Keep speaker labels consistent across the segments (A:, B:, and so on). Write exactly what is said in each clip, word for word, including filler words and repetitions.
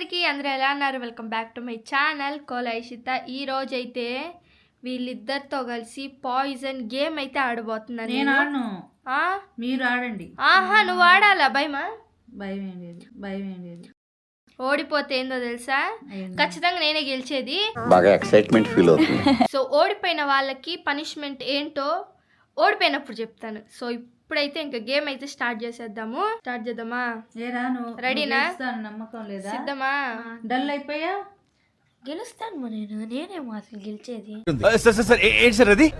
A: అందరికీ అందరూ ఎలా అన్నారు? Welcome back to my channel కోలైషిత. ఈ రోజు అయితే వీళ్ళిద్దరితో కలిసి పాయిజన్ గేమ్ అయితే ఆడబోతున్నాను.
B: నేను ఆడను, మీరు ఆడండి.
A: ఆహా, నువ్వు ఆడాలా? భయమా?
B: భయం ఏం లేదు, భయం ఏం లేదు.
A: ఓడిపోతే ఏందో తెలుసా? ఖచ్చితంగా నేనే గెలిచేది.
C: బాగా ఎక్సైట్మెంట్ ఫీల్ అవుతుంది.
A: సో ఓడిపోయిన వాళ్ళకి పనిష్మెంట్ ఏంటో ఓడిపోయినప్పుడు చెప్తాను. సో ఇప్పుడైతే ఇంకా గేమ్ అయితే స్టార్ట్ చేసేద్దాము. స్టార్ట్ చేద్దామా? రెడీనా?
B: నమ్మకం లేదా?
A: సిద్ధమా?
B: డల్ అయిపోయా?
D: గెలుస్తాను నేను, నేనేమో అసలు గెలిచేది.
C: అది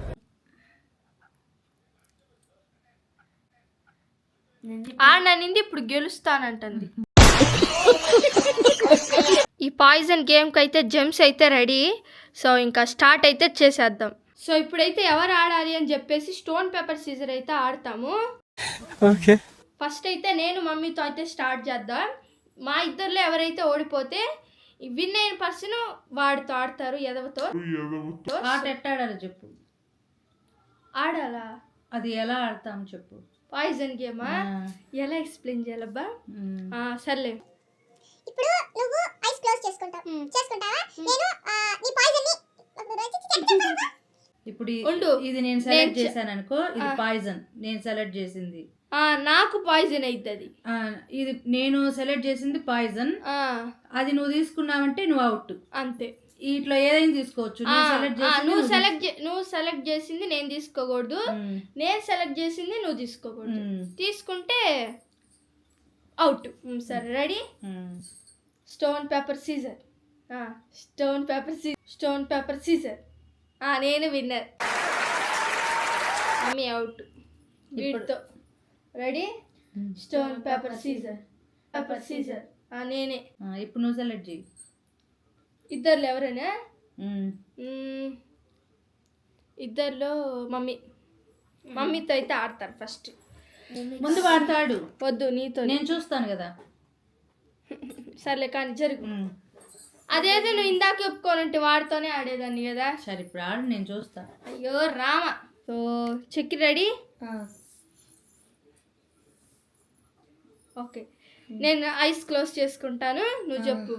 A: ఆడనింది ఇప్పుడు గెలుస్తానంటుంది. ఈ పాయిజన్ గేమ్కి అయితే జెమ్స్ అయితే రెడీ. సో ఇంకా స్టార్ట్ అయితే చేసేద్దాం. సో ఇప్పుడైతే ఎవరు ఆడాలి అని చెప్పేసి స్టోన్ పేపర్ సీజర్ అయితే ఆడతాము. ఫస్ట్ అయితే నేను మమ్మీతో అయితే స్టార్ట్ చేద్దాం. మా ఇద్దరిలో ఎవరైతే ఓడిపోతే విన్ అయిన పర్సన్ వాడితో ఆడతారు. ఎదవతో
B: ఆట ఎట్టాడాలి చెప్పు.
A: ఆడాలా?
B: అది ఎలా ఆడతాం చెప్పు.
A: పాయిజన్ గేమా? ఎలా ఎక్స్ప్లెయిన్ చేయాలబ్బా? సర్లే,
E: ఇప్పుడు నువ్వు ఐస్ క్లోజ్ చేసుకుంటావు చేసుకుంటావా? నేను నీ పాయిజన్ ని
B: ఇప్పుడు ఇది నేను సెలెక్ట్ చేశాను అనుకో, ఇది పాయిజన్ నేను సెలెక్ట్ చేసింది.
A: నాకు పాయిజన్ అవుతుంది.
B: ఇది నేను సెలెక్ట్ చేసింది పాయిజన్, అది నువ్వు తీసుకున్నావంటే నువ్వు అవుట్.
A: అంతే.
B: ఇట్లా ఏదైనా తీసుకోవచ్చు.
A: నువ్వు సెలెక్ట్ నువ్వు సెలెక్ట్ చేసింది నేను తీసుకోకూడదు, నేను సెలెక్ట్ చేసింది నువ్వు తీసుకోకూడదు. తీసుకుంటే అవుట్. సరే, ready? Stone paper scissor. Stone paper సీ స్టోన్ పేపర్ సీజర్. నేను విన్నర్, మమ్మీ అవుట్. వీటితో ready? Stone paper scissor paper scissor. నేనే.
B: ఇప్పుడు నువ్వు సెలెక్ట్ చేయి.
A: ఇద్దరులో ఎవరైనా? ఇద్దరిలో మమ్మీ. మమ్మీతో అయితే ఆడతారు ఫస్ట్.
B: ముందు వాడతాడు.
A: వద్దు, నీతో.
B: నేను చూస్తాను కదా.
A: సర్లే కానీ జరుగు. అదేదో నువ్వు ఇందాక ఒప్పుకోనంటే వాడితోనే ఆడేదాన్ని కదా.
B: సరే ఇప్పుడు ఆడు, నేను చూస్తా.
A: అయ్యో రామ. సో చెక్కి రెడీ? ఓకే, నేను ఐస్ క్లోజ్ చేసుకుంటాను, నువ్వు చెప్పు.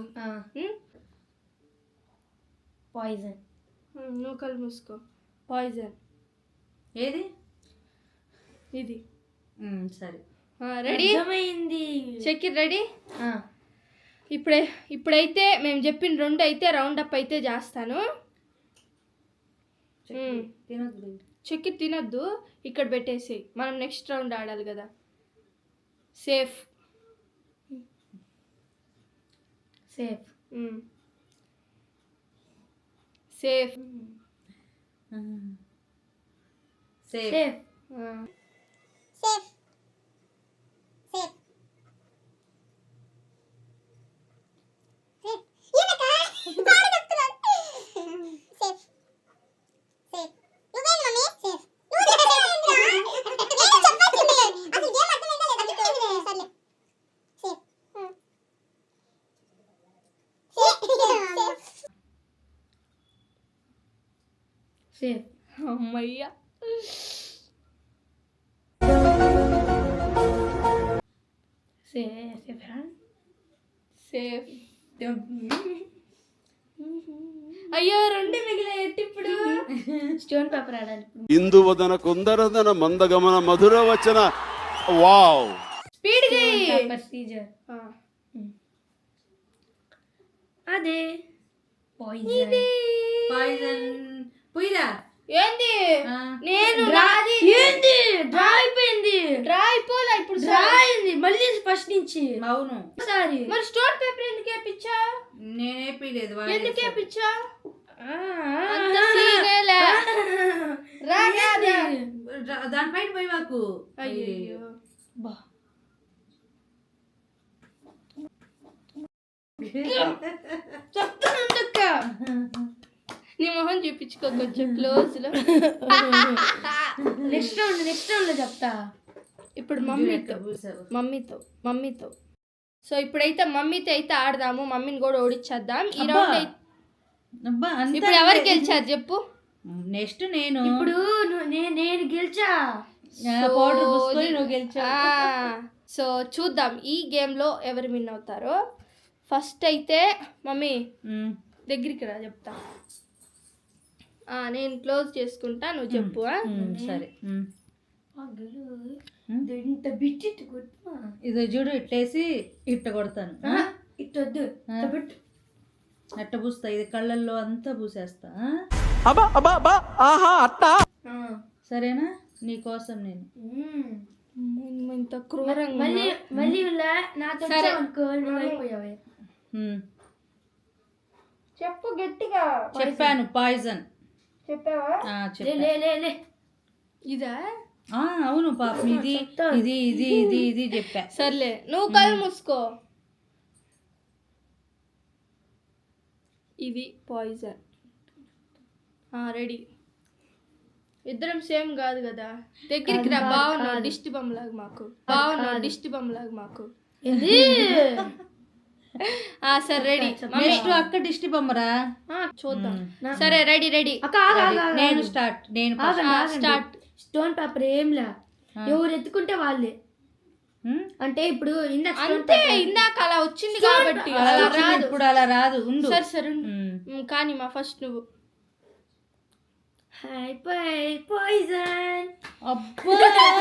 D: పాయిజన్.
A: నువ్వు కళ్ళు మూసుకో. పాయిజన్
B: ఏది?
A: ఇది.
B: సరే,
A: రెడీ?
D: అర్థమైంది.
A: చెక్కి రెడీ? ఇప్పుడే ఇప్పుడైతే మేము చెప్పిన రెండు అయితే రౌండ్ అప్ అయితే చేస్తాను. చెక్కి తినొద్దు, ఇక్కడ పెట్టేసి మనం నెక్స్ట్ రౌండ్ ఆడాలి కదా. Safe
D: safe
A: safe
B: safe
E: safe safe safe safe ఏనక పాడు చెప్తున్నాడు. సేఫ్ సేఫ్ నువ్వేంటి మమ్మీ? సేఫ్ నువ్వు నేను చెప్పాల్సింది అసలు గేమ్ అర్థమైందా లేదా? సర్లే సేఫ్ సేఫ్
D: సేఫ్.
A: అమ్మయ్యా.
D: Safe
A: safe. అయ్యో రెండు మిగిలాయి. ఇప్పుడు
D: స్టోన్ పేపర్ ఆడాలి.
C: ఇందువదన కుందరదన మందగమన మధుర వచన. Wow,
A: speed
D: paper scissor. అదే పాయిజన్.
B: పాయిజన్ పోయిరా.
A: ఏంది? నేను
D: ఏంది డ్రా అయిపోయింది.
A: డ్రా అయిపోలే, ఇప్పుడు
D: డ్రా అయింది మళ్ళీ ఫస్ట్ నుంచి.
B: అవును.
D: సారీ.
A: మరి స్టోన్ పేపర్ ఎందుకు వేపించా?
B: నేనేపీలేదు.
A: ఎందుకు వేపించా?
B: దానిపైన పోయి మాకు.
A: అయ్యో
D: బా
A: చెప్తానుండక్క. నీ మొహం చూపించుకో కొంచెం క్లోజ్ లో.
D: నెక్స్ట్ రౌండ్ నెక్స్ట్ రౌండ్ లో చెప్తా.
A: ఇప్పుడు మమ్మీతో మమ్మీతో మమ్మీతో సో ఇప్పుడైతే మమ్మీతో అయితే ఆడదాము. మమ్మీని కూడా ఓడిచ్చేద్దాం ఈ రౌండ్ అయితే. ఇప్పుడు ఎవరు గెలిచారు చెప్పు?
B: నెక్స్ట్ నేను.
D: ఇప్పుడు నేను గెలిచా.
B: పౌడర్ పూసుకొని నువ్వు గెలిచా.
A: సో చూద్దాం ఈ గేమ్ లో ఎవరు విన్ అవుతారో. ఫస్ట్ అయితే మమ్మీ
B: ఉమ్,
A: దగ్గరికి రా చెప్తా. ఆ, నేను క్లోజ్ చేసుకుంటా, నువ్వు చెప్పు. ఆ?
B: ఉమ్, సరే ఉమ్.
D: ఇంత బిచ్చిట్టు కొట్టుమా
B: ఇదో చూడు ఇట్లేసి ఇట్ట కొడతాను ఆ?
D: ఇట్టొద్దు
B: ఆ? అట్ట పూస్తా, ఇది కళ్ళల్లో అంతా పూసేస్తా ఆ? సరేనా నీకోసం నేను
A: అమ్మో, ఇంత క్రూరంగా
D: మళ్ళీ
A: ఉన్నావు.
D: మళ్ళీ ఇలా నాతో
A: సరే.
D: అనుకో నువ్వు అయిపోయావే.
B: ఉమ్.
A: చెప్పు గట్టిగా.
B: చెప్పాను పాయిజన్
A: చెప్పావా?
D: లే
B: చెప్పా
D: లే లే లే
A: ఇదా?
B: ఆ, అవును పాపం ఇది ఇది ఇది ఇది ఇది చెప్పా.
A: సర్లే, నువ్వు కళ్ళు మూసుకో. ఇది పాయిజన్. రెడీ. ఇద్దరం సేమ్ కాదు కదా. దగ్గరికి రా. బాగున్నావు దిష్టి బొమ్మ లాగా మాకు. బాగున్నావు దిష్టి బొమ్మ లాగా మాకు.
D: ఇది
A: ఆ సరే రెడీ.
B: నెక్స్ట్ అక్క దిష్టి బొమ్మరా.
A: చూద్దాం. సరే రెడీ రెడీ.
D: అక్క ఆగు, ఆగు, ఆగు.
B: నేను స్టార్ట్ నేను first.
D: ఆగండి, ఆగండి.
A: స్టార్ట్.
D: స్టోన్ పేపర్ ఏంలా ఎవరు ఎత్తుకుంటే వాళ్ళే.
B: ఉమ్?
D: అంటే ఇప్పుడు ఇందాక stone
A: అంతే,
D: paper-
A: ఇందాక అలా వచ్చింది కాబట్టి
B: అలా
A: అలా
B: వచ్చింది,
A: రాదు.
B: ఇప్పుడు అలా రాదు ఉండు.
A: సరే సరే ఉండు.
B: ఉమ్.
A: ఉమ్, కానీ మా ఫస్ట్ నువ్వు.
D: హాయ్ పై పాయిజన్
B: అబ్బా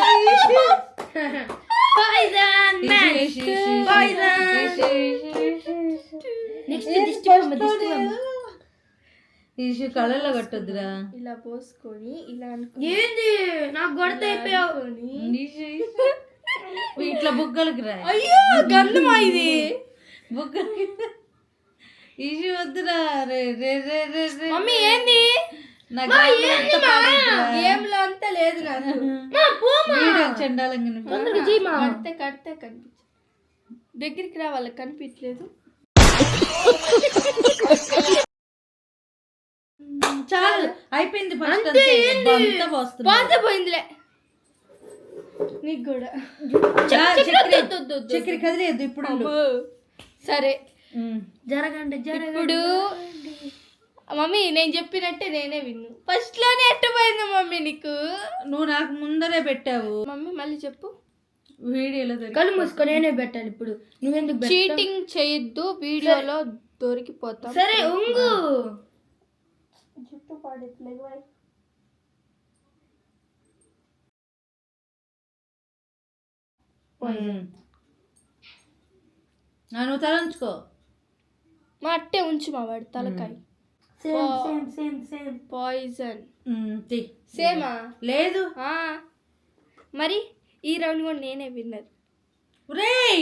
D: పాయిజన్
B: ఇషి, ఇషి, ఇషి,
D: పాయిజన్
B: ఇషి, ఇషి, ఇషి.
D: నెక్స్ట్ దిష్టి బొమ్మ దిష్టి బొమ్మ.
B: ఇషి కళ్ళల్లో కట్టొద్దురా.
A: ఇలా పోసుకొని ఇలా అనుకో.
D: ఏంది నాకు గొడత అయిపోయావు.
A: అనుకొని.
B: ఇషి. ఇట్లా బుగ్గలకి రా.
A: అయ్యో గంధమా ఇది.
B: బుగ్గలకి ఇషి వద్దురా. రే రే రే రే రే.
A: మమ్మీ ఏంది?
B: నా గాలి అంతా పాడైద్దిరా.
A: ఏంలో అంతా లేదు నాకు.
B: వీడియో చండాలంగా ఉంది.
D: తొందరగా చెయ్యి మా.
A: కడితే కడితే కనిపించు. దగ్గరికి రా, వాళ్ళకి కనిపించలేదు.
B: చాలు అయిపోయింది ఫస్ట్
D: అంతే,
B: అంతే.
D: ఏంది?
B: అంతా పోస్తున్నా.
A: పాత పోయిందిలే నీకు కూడా.
B: చక్కెర
A: వద్దు, వద్దు, వద్దు.
B: చక్కెర కదిలేదు ఇప్పుడు ఉండు.
A: అబ్బో. సరే
B: ఉమ్.
D: జరగండి జరగండి.
A: ఇప్పుడు మమ్మీ నేను చెప్పినట్టే నేనే విన్ను. ఫస్ట్ లోనే ఎట్టపోయింది మమ్మీ నీకు.
B: నువ్వు నాకు ముందరే పెట్టావు
A: మమ్మీ మళ్ళీ చెప్పు.
B: వీడియోలో దొరికి.
D: కళ్ళు మూసుకొని నేనే పెట్టాలి ఇప్పుడు. నువ్వెందుకు పెట్టావు?
A: చీటింగ్ చేయొద్దు, వీడియోలో దొరికిపోతాం.
D: సరే ఉంగు.
A: జుట్టు పాడట్లేదు.
B: ఉమ్. ఆ, నువ్వు తల ఉంచుకో.
A: మా అట్టే ఉంచు మా వాడి తలకాయ.
D: Same same same same.
A: Poison.
B: ఉమ్, తీ.
A: సేమా?
B: లేదు
A: ఆ. మరి ఈ రౌండ్ కూడా నేనే విన్నర్.
B: రేయ్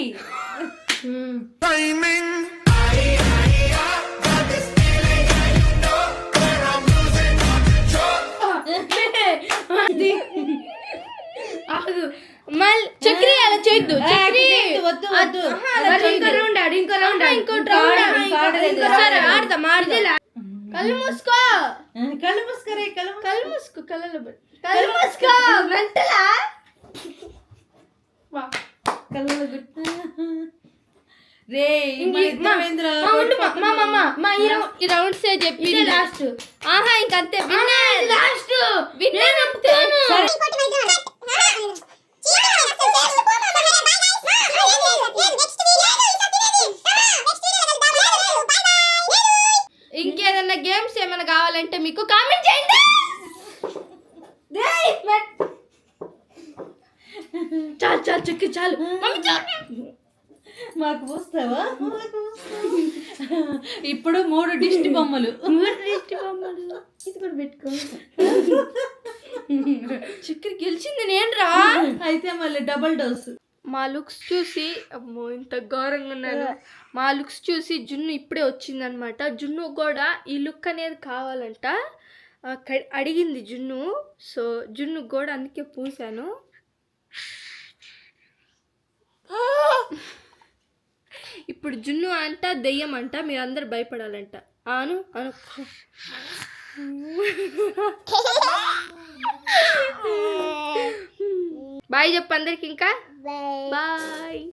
A: ఆగు. మళ్ళీ చక్రి అలా చేయొద్దు. చక్రి
B: వద్దు వద్దు.
A: ఆహా, అలా చేయొద్దు.
D: ఇంకో రౌండ్ ఆడు ఇంకో రౌండ్ ఆడు.
A: ఇంకోటి రౌండ్ ఆడు.
B: ఇంకా ఆడలేదు.
A: సరే ఆడదాం ఆడదాం. కళ్ళు మూసుకో.
B: కళ్ళు మూసుకరే కళ్ళు మూసుకో.
A: కళ్ళు మూసుకో. కళ్ళు కళ్ళు మూసుకో. మెంటలా?
B: కళ్ళలో గుట్టు. రే
D: మా ఉండు మా మా మా మా మా ఈ రౌండ్
A: ఈ రౌండ్స్ చెప్పి
D: ఇదే లాస్ట్.
A: ఆహా ఇంకంతే. Winner
D: last.
A: విన్నర్ చెప్తాను. ఇంకేదన్నా గేమ్స్ ఏమైనా కావాలంటే మీకు కామెంట్ చేయండి.
D: చాలు చాలు చక్కెర చాలు.
A: మమ్మీ చాలు.
B: మాకు పూస్తావా? మాకు పూస్తావా? ఇప్పుడు మూడు దిష్టి బొమ్మలు.
D: దిష్టి బొమ్మలు ఇది కూడా పెట్టుకో.
A: చక్కెర గెలిచింది నేను రా.
B: అయితే మళ్ళీ డబుల్ డోస్.
A: మా లుక్స్ చూసి అమ్మో ఇంత ఘోరంగా ఉన్నాను. మా లుక్స్ చూసి జున్ను ఇప్పుడే వచ్చిందనమాట. జున్ను కూడా ఈ లుక్ అనేది కావాలంట. ఆ, క- అడిగింది జున్ను. సో జున్ను కూడా అందుకే పూసాను. ఇప్పుడు జున్ను అంట దెయ్యం అంట, మీరు అందరు భయపడాలంట. అను అను బాయ్ చెప్పు అందరికి. ఇంకా బాయ్.